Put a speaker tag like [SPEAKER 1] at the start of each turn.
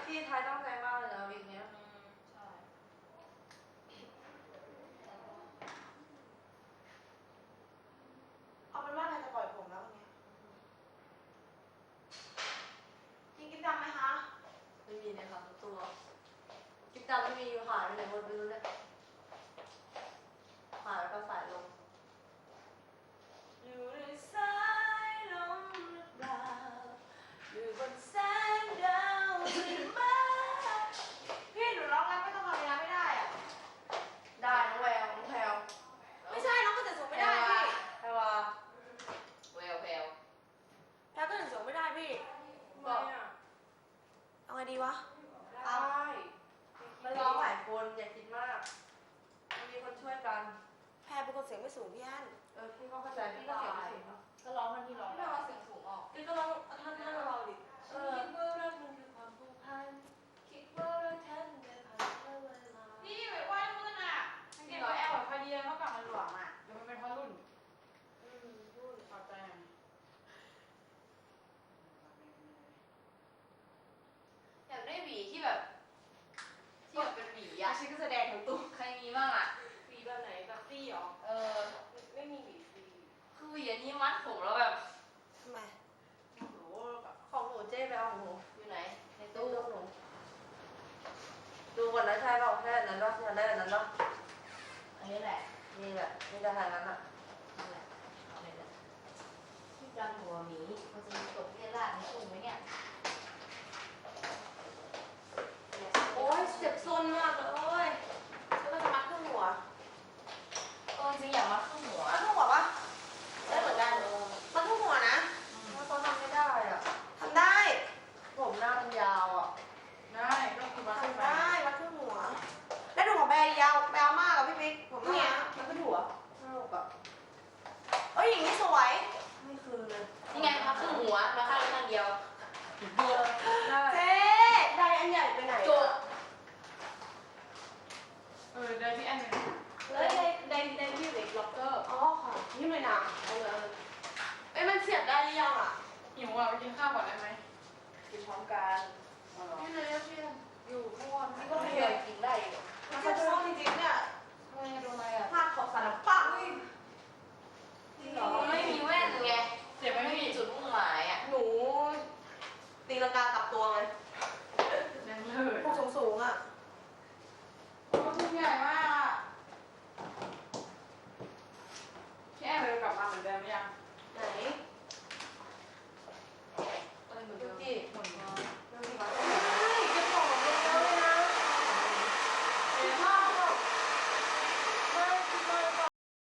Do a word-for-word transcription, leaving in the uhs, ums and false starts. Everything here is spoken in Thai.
[SPEAKER 1] พี่ไทยตั้งใจมากเลยนะวีคเนี้ย
[SPEAKER 2] ใช่
[SPEAKER 3] เอาเป็นว่าใครจะปล่อยผมแล้ววันนี้กินกินดำไหมคะ
[SPEAKER 1] ไม่มีเลยค่ะตัวกิ๊บดำไม่มีอยู่หายไปไหนหมดไม่รู้เนี่ยหายแล้วก็สายลมอยู่ในสายลมหรือเปล่าอยู่บนแสงดาวที่มา
[SPEAKER 3] พี่หนูร้องแล้วไม่ต้องทำเวลาไม่ได้อะ
[SPEAKER 1] ได้น้องแววน้องแพลว
[SPEAKER 3] ไม่ใช่น้องก็จะส่งไม่ได้พี่
[SPEAKER 1] แพลวา
[SPEAKER 2] แววแวว
[SPEAKER 3] แล้วก็ถึงส่งไม่ได้พี่
[SPEAKER 1] บอก
[SPEAKER 3] เอาไงดีวะ
[SPEAKER 1] ได้มันร้องหลายคนอย่าคิดมากมันมีคนช่วยกัน
[SPEAKER 3] แพรเป็นคนเสียงไม่สูงพี่อัน
[SPEAKER 1] เออพี่ก็เข้าใจพี่ก็เสียงไม่ถึงเนาะ
[SPEAKER 2] ก็ร้องท่านที่ร้อง
[SPEAKER 1] พี่เอาเสียงสูงออกพี่ก็ร้องท่านท่านเราดิเออคิดว่ารักมันคือความผูกพันคิดว่ารักแท้มันเป็นผ่านแค่เวลา
[SPEAKER 2] พี่ไปไหว้รุ่นอ่ะเด็กแอลแบบพอดีเท่ากับมันหลวมอ่ะเดี๋ยวมันเป็นเพราะรุ่น
[SPEAKER 1] อืมพูด
[SPEAKER 2] ขอบใจหน่อย
[SPEAKER 1] อยากได้หวีที่แบบที่แบบเป็นหวี
[SPEAKER 2] อ่ะ
[SPEAKER 1] อะ
[SPEAKER 2] ฉันก็แสดงทั้งตู้ใครมีบ้างอ่ะ
[SPEAKER 1] หวีแบบไหนแบบซี่หรอ
[SPEAKER 2] เออ
[SPEAKER 1] ไม่มีหวีฟรีคือหวีอันนี้มัดผมแล้วแบบ
[SPEAKER 3] ทำไม
[SPEAKER 1] โอ้โหของหนูเจ๊ไปเอาของหนูอยู่ไหนในตู้หนูดูก่อนนะใช่เปล่าใช่อันนั้นป่ะใช่ได้อันนั้นป่ะ
[SPEAKER 2] อันนี้แหละ
[SPEAKER 1] นี่แหละนี่จะทางนั้นอ่ะ
[SPEAKER 2] นั่นแหละเอาเลยแหละที่จันหัวหมีมันจะมีตกเรียราดในตู้ไหมเนี่ย
[SPEAKER 1] โอ้ยเจ็บซนมากเลยโอ้ย
[SPEAKER 3] แล้วก็จะมัดเครื่องหัว
[SPEAKER 2] เออจริงอยากมาขึ้นหัว
[SPEAKER 3] มัดเครื่องหัวปะได้เหมือนกันมัดเครื่องหัวนะ
[SPEAKER 1] ถ้าเขาทำไม่ได้อ่ะ
[SPEAKER 3] ทำได้
[SPEAKER 1] ผมหน้ามันยาวอ่ะ
[SPEAKER 2] ได้ก็คือมาขึ้น
[SPEAKER 3] ทำ
[SPEAKER 2] มา
[SPEAKER 3] ได้มัดเครื่องหัว แล้วดูของแบร์ยาวแบร์มากอะพี่บิ๊กผม
[SPEAKER 1] เนี่
[SPEAKER 3] เนี่ย ย
[SPEAKER 1] มันเป็นหัวสนุกอ่ะ
[SPEAKER 3] เอ้ยอย่างนี้สวย
[SPEAKER 1] ไม่คืนเลย
[SPEAKER 2] นี่ไงมาขึ้นหัวมาข้างข้างเดียว
[SPEAKER 1] เออได้
[SPEAKER 3] เจ๊ได้อันใหญ่ไปไหน
[SPEAKER 2] จ
[SPEAKER 3] อะ
[SPEAKER 2] บเออได้ที่อันหนึ่ง
[SPEAKER 1] แล้วในในในที่เด็กล็อกเกอร์
[SPEAKER 3] อ๋อค่ะนี่เลยนะ
[SPEAKER 1] เออเออเอ้ยมันเสียบได้หรือยังอ่ะ
[SPEAKER 2] หิวอ่ะไปกินข้าวก่อนได้ไหม
[SPEAKER 1] กินพร้อมกัน
[SPEAKER 2] อ๋อเหรอ
[SPEAKER 1] นี่เลยเพื่อนอยู่ข้างบนนี่ก็ไม่เคยกินได้อยู่
[SPEAKER 3] มันจะชอบจริงๆเนี่ย